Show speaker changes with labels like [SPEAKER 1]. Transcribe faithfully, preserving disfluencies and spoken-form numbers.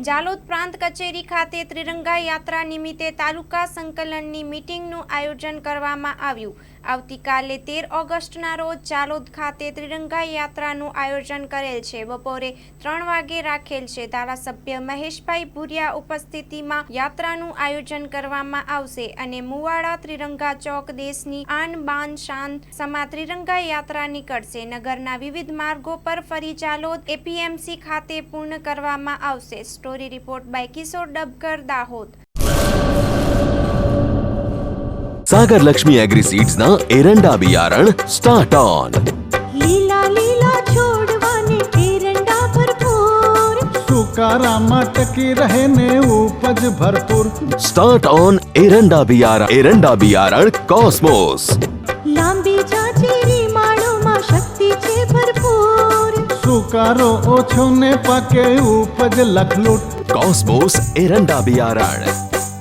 [SPEAKER 1] જાલોદ પ્રાંત કચેરી ખાતે ત્રિરંગા યાત્રા નિમિત્તે તાલુકા સંકલનની મીટિંગનું આયોજન કરવામાં આવ્યું। આવતીકાલે તેર ઓગસ્ટના રોજ જાલોદ ખાતે ત્રિરંગા યાત્રાનું આયોજન કરેલ છે। બપોરે ત્રણ વાગે રાખેલ છે। ધારાસભ્ય મહેશભાઈ ભુરિયા ઉપસ્થિતિમાં યાત્રાનું આયોજન કરવામાં આવશે અને મુવાડા ત્રિરંગા ચોક દેશની આન બાન શાન સમા ત્રિરંગા યાત્રા નીકળશે। નગરના વિવિધ માર્ગો પર ફરી જાલોદ એપીએમસી ખાતે પૂર્ણ કરવામાં આવશે। Story report by Kishor Dabkar, Dahod.
[SPEAKER 2] Sagar Lakshmi agri seeds ना एरंडा बियारण स्टार्ट ऑन।
[SPEAKER 3] લીલા લીલા છોડવાને એરંડા ભરપૂર,
[SPEAKER 4] સુકારામાં ટકી રહે ને ઉપજ ભરપૂર।
[SPEAKER 2] स्टार्ट ऑन एरंडा बियारण एरंડા बियारण कॉस्मोस।
[SPEAKER 3] લાંબી જાચેરી માળોમાં શક્તિ છે ભરપૂર,
[SPEAKER 4] સુકારો ઓછો ને પાકે ઉપજ લખલૂટ।
[SPEAKER 2] कॉस्मोस एरंડા बियारण।